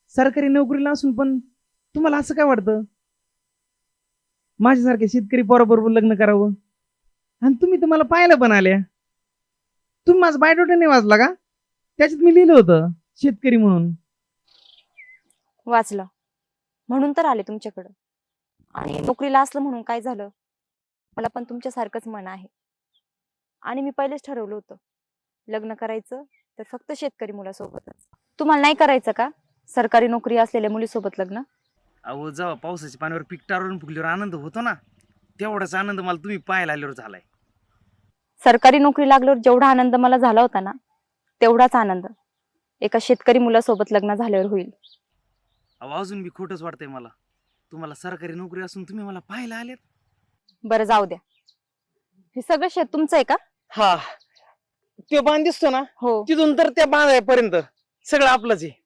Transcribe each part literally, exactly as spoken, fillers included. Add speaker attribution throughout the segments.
Speaker 1: सरकारी नोकरीला असून पण तुम्हाला असं काय वाटतं माझ्यासारख्या शेतकरी पोराबरोबर लग्न करावं? आणि तुम्ही तर मला पाहायला पण आल्या. तुम्ही माझा बायोडाटा नाही वाचला का? त्याच्यात मी लिहिलं होतं शेतकरी म्हणून.
Speaker 2: वाचलं म्हणून तर आले तुमच्याकडं. आणि नोकरीला असलं म्हणून काय झालं? मला पण तुमच्यासारखंच मन आहे. आणि मी पहिलेच ठरवलं होतं लग्न करायचं तर फक्त शेतकरी मुलासोबतच. तुम्हाला नाही करायचं का सरकारी नोकरी असलेल्या मुलीसोबत लग्न?
Speaker 1: अहो जेव्हा पावसाच्या पाण्यावर पीक टाळून फुगल्यावर आनंद होतो ना, तेवढाच आनंद मला तुम्ही पाहायला आल्यावर झालाय.
Speaker 2: सरकारी नोकरी लागल्यावर जेवढा आनंद मला झाला होता ना, तेवढाच आनंद एका शेतकरी मुलासोबत लग्न झाल्यावर होईल.
Speaker 1: अहो अजून बी खोटच वाटतंय मला. तुम्हाला सरकारी नोकरी असून तुम्ही मला पाहायला आलेत.
Speaker 2: बरं जाऊ द्या. हे सगळं शेत तुमचं आहे का?
Speaker 1: हा, तो बांध दिसतो ना,
Speaker 2: हो.
Speaker 1: तिथून तर त्या बांधापर्यंत सगळं आपलंच आहे.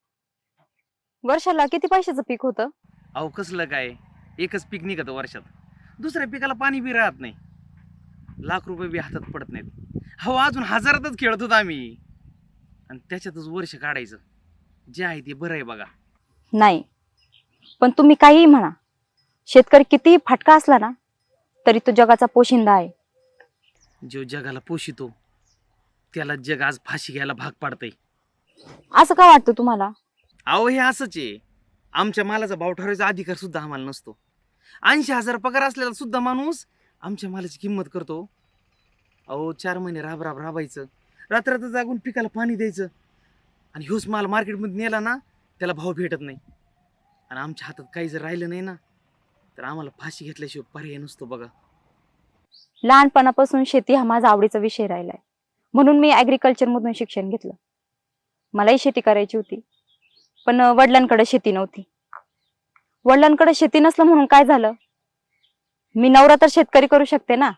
Speaker 2: वर्षाला किती पैशाचं पीक होतं?
Speaker 1: अहो कसलं काय, एकच पीक निघतं वर्षात. दुसऱ्या पिकाला पाणी बी राहत नाही. लाख रुपये बी हातात पडत नाहीत. हो अजून हजारातच खेळत होतो आम्ही. आणि त्याच्यातच वर्ष काढायचं. जे आहे ते बरं आहे बघा.
Speaker 2: नाही, पण तुम्ही काहीही म्हणा, शेतकरी कितीही फाटका असला ना तरी तो जगाचा पोशिंदा आहे.
Speaker 1: जो जगाला पोषितो त्याला जग आज फाशी घ्यायला भाग पाडतंय.
Speaker 2: असं का वाटतं तुम्हाला?
Speaker 1: अहो हे असंच आहे. आमच्या मालाचा भाव ठरवायचा अधिकार सुद्धा आम्हाला नसतो. ऐंशी हजार पगार असलेला सुद्धा माणूस आमच्या मालाची किंमत करतो. अहो चार महिने राब राब राबायचं, रात्र जागून पिकाला पाणी द्यायचं, आणि ह्योच माल मार्केटमध्ये नेला ना त्याला भाव भेटत नाही. आणि आमच्या हातात काही जर राहिलं नाही ना तर आम्हाला फाशी घेतल्याशिवाय पर्याय नसतो बघा.
Speaker 2: लहानपणापासून शेती हा माझा आवडीचा विषय राहिलाय, म्हणून मी ऍग्रिकल्चर मधून शिक्षण घेतलं. मलाही शेती करायची होती, पण वडिलांकडे शेती नव्हती. वडिलांकडे शेती नसलं म्हणून काय झालं, मी नवरा तर शेतकरी करू शकते ना.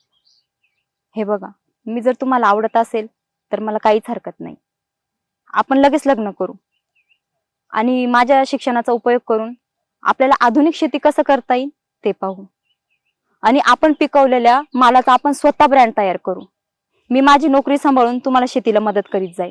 Speaker 2: हे बघा, मी जर तुम्हाला आवडत असेल तर मला काहीच हरकत नाही. आपण लगेच लग्न करू आणि माझ्या शिक्षणाचा उपयोग करून आपल्याला आधुनिक शेती कसं करता येईल ते पाहू. आणि आपण पिकवलेल्या मालाचा आपण स्वतः ब्रँड तयार करू. मी माझी नोकरी सांभाळून तुम्हाला शेतीला मदत करीत जाईल.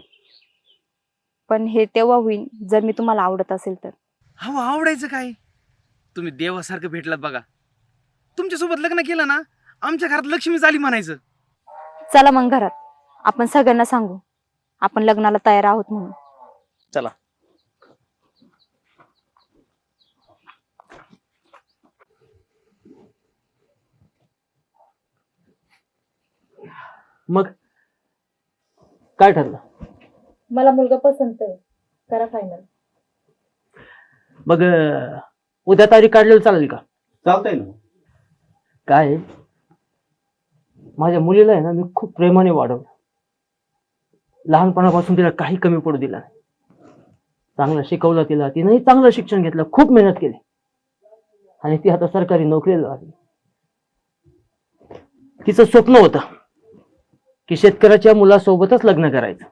Speaker 2: पण हे तेव्हा होईल जर मी तुम्हाला आवडत असेल तर.
Speaker 1: हो आवडायचं काय, तुम्ही देवासारखं भेटलात बघा. तुमच्यासोबत लग्न केलं ना आमच्या घरात लक्ष्मी झाली म्हणायचं.
Speaker 2: चला मग घरात आपण सगळ्यांना सांगू आपण लग्नाला तयार आहोत म्हणून.
Speaker 1: चला.
Speaker 3: मग काय ठरलं?
Speaker 2: मला मुलगा पसंत आहे, करा फायनल.
Speaker 3: मग अं, उद्या तारीख काढलेली चालेल का?
Speaker 4: चालतंय ना.
Speaker 3: काय आहे, माझ्या मुलीला आहे ना मी खूप प्रेमाने वाढवलं. लहानपणापासून तिला काही कमी पडू दिला नाही. चांगलं शिकवलं तिला, तिनेही चांगलं शिक्षण घेतलं, खूप मेहनत केली, आणि ती आता सरकारी नोकरीला लागली. तिचं स्वप्न होतं की शेतकऱ्याच्या मुलासोबतच लग्न करायचं.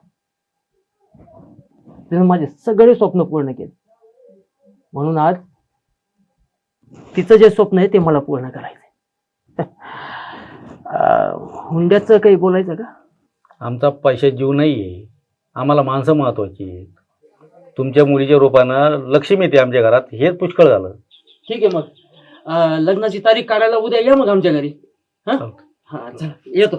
Speaker 3: तिने माझे सगळे स्वप्न पूर्ण केले. म्हणून आज तिचं जे स्वप्न आहे ते मला पूर्ण करायचंय. हुंड्याचं काही बोलायचं का?
Speaker 4: आमचा पैशात जीव नाहीये, आम्हाला माणसं महत्वाची आहेत. तुमच्या मुलीच्या रूपानं लक्ष्मी येते आमच्या घरात, हेच पुष्कळ झालं.
Speaker 3: ठीक आहे, मग अं, लग्नाची तारीख काढायला उद्या या मग आमच्या घरी. हा हा चला येतो.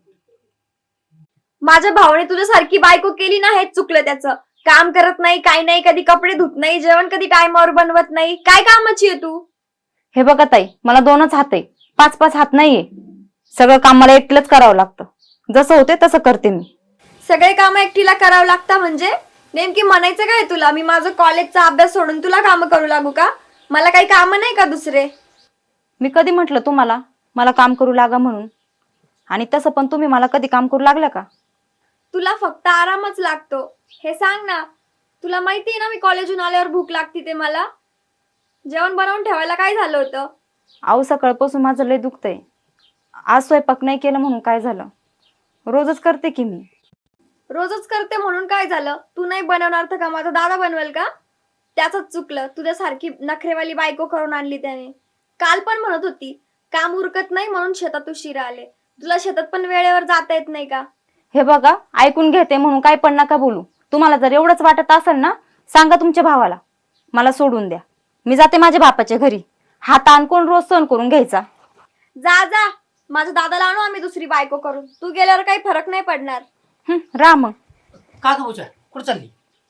Speaker 5: माझ्या भावाने तुझ्यासारखी बायको केली ना, हेच चुकलं त्याचं. काम करत नाही, काही नाही, कधी कपडे धुत नाही, जेवण कधी टायमावर बनवत नाही. काय कामाची आहे तू?
Speaker 2: हे बघा ताई, मला दोनच हात आहे, पाच पाच हात नाहीये. सगळं काम मला एकटीलाच करावं लागतं. जसं होते तसं करते मी.
Speaker 5: सगळे काम एकटीला करावं लागतं म्हणजे नेमकी म्हणायचं काय तुला? मी माझं कॉलेजचा अभ्यास सोडून तुला काम करू लागू का? मला काही काम नाही का दुसरे?
Speaker 2: मी कधी म्हटलं तुम्हाला मला काम करू लागा म्हणून? आणि तसं पण तुम्ही मला कधी काम करू लागलं का?
Speaker 5: तुला फक्त आरामच लागतो हे सांग ना. तुला माहिती आहे ना मी कॉलेजून आल्यावर भूक लागते ते मला. जेवण बनवून ठेवायला काय झालं होतं?
Speaker 2: आऊ सकाळपासून माझं लय दुखतंय. आज स्वयंपाक नाही केलं म्हणून काय झालं? रोजच करते की मी.
Speaker 5: रोजच करते म्हणून काय झालं? तू नाही बनवणार तर का माझा दादा बनवेल का? त्याचंच चुकलं, तुझ्यासारखी नखरेवाली बायको करून आणली त्याने. काल पण म्हणत होती काम उरकत नाही म्हणून शेतात उशिरा आले. तुला शेतात पण वेळेवर जाता येत नाही का?
Speaker 2: हे बघा, ऐकून घेते म्हणून काय पण नका बोलू. तुम्हाला जर एवढंच वाटत असेल ना सांगा तुमच्या भावाला मला सोडून द्या, मी जाते माझ्या बापाच्या घरी. हा ताण कोण रोज सहन करून घ्यायचा?
Speaker 5: जा जा, माझ्या दादाला आणू आम्ही दुसरी बायको करून. तू गेल्यावर काही फरक नाही पडणार.
Speaker 2: हं, राम,
Speaker 3: का ग पूजा, कुठं चालली?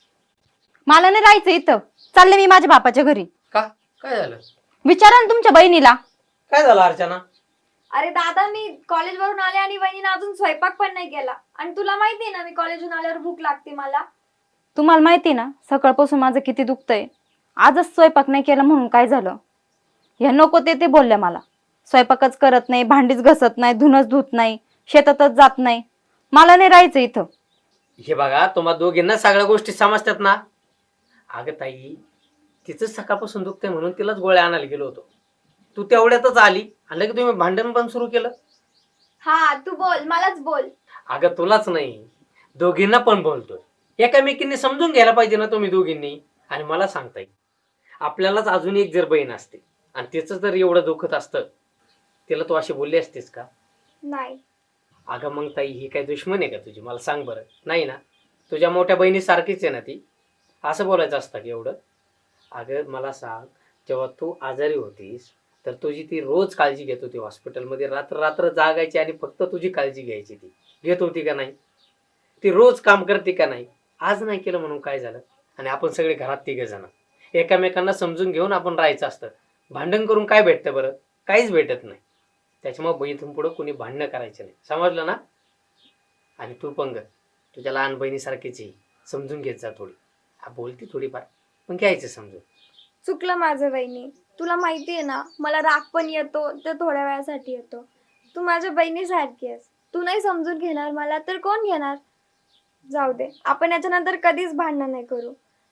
Speaker 2: मला नाही राहायचं इथं, चालले मी माझ्या बापाच्या घरी.
Speaker 3: का, काय झालं?
Speaker 2: विचारा ना तुमच्या बहिणीला.
Speaker 3: काय झालं अर्चना?
Speaker 5: अरे दादा, मी कॉलेजवरून आले आणि वहिनीने अजून स्वयंपाक पण नाही केला. आणि तुला माहिती ना, मी कॉलेजवरून आल्यावर भूक लागते मला.
Speaker 2: तुम्हाला माहिती ना सकाळपासून माझं किती दुखतंय. आजच स्वयंपाक नाही केला म्हणून काय झालं? ह्या नको ते ते बोलल्या मला. स्वयंपाकच करत नाही, भांडीच घसत नाही, धुनच धुत नाही, शेतातच जात नाही. मला नाही राहायचं इथं.
Speaker 6: हे बघा, तुम्हा दोघींना सगळ्या गोष्टी समजतात ना. अगं ताई, तिचं सकाळपासून दुखतंय म्हणून तिलाच गोळ्या आणायला गेलो होतो. तू तेवढ्यातच आली आणि की तुम्ही भांडण पण सुरू केलं.
Speaker 5: हा, तू बोल, मलाच बोल.
Speaker 6: अगं तुलाच नाही, दोघींना पण बोलतोय. एकामेकींनी समजून घ्यायला पाहिजे ना तुम्ही दोघींनी. आणि मला सांगता येईल, आपल्यालाच अजून एक जर बहीण असते आणि तिचं जर एवढं दुखत असतं, तिला तू अशी बोलली असतीस का?
Speaker 5: नाही.
Speaker 6: अगं मग ताई, ही काय दुश्मन आहे का तुझी? मला सांग बरं. नाही ना, तुझ्या मोठ्या बहिणी सारखीच आहे ना ती. असं बोलायचं असतं की एवढं? अगं मला सांग, जेव्हा तू आजारी होतीस तर तुझी ती रोज काळजी घेत होती हॉस्पिटलमध्ये, रात्र रात्र जागायची आणि फक्त तुझी काळजी घ्यायची. ती घेत होती का नाही? ती रोज काम करते का नाही? आज नाही केलं म्हणून काय झालं? आणि आपण सगळे घरात तिघे जण एकामेकांना समजून घेऊन आपण राहायचं असतं. भांडण करून काय भेटतं बरं? काहीच भेटत नाही. त्याच्यामुळे बहिणीतून पुढं कोणी भांडणं करायचं नाही, समजलं ना? आणि तू पण ग, तुझ्या लहान बहिणीसारखीच आहे, समजून घेत जा थोडी. हा बोलती थोडीफार, पण घ्यायचं समजून.
Speaker 5: चुकलं माझं वहिनी. तुला माहितीये ना, मला राग पण येतो, ते थोड्या वेळासाठी येतो. तू माझ्या बहिणीसारखी आहेस. तू नाही समजून घेणार मला तर कोण घेणार? जाऊ दे, आपण याच्यानंतर कधीच भांडण नाही करू.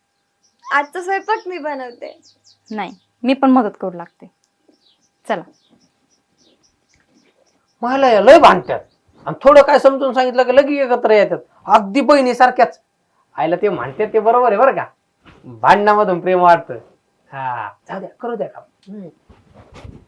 Speaker 5: आजचा स्वयंपाक मी बनवते.
Speaker 2: नाही, मी पण मदत करू लागते. चला.
Speaker 6: मला या लय भांडतात आणि थोडं काय समजून सांगितलं की लगेच एकत्र येतात, अगदी बहिणीसारख्याच. आईला ते म्हणतात ते बरोबर आहे बरं का. भांडणामधून प्रेम वाढतं. हा, जाऊ द्या, करू द्या का.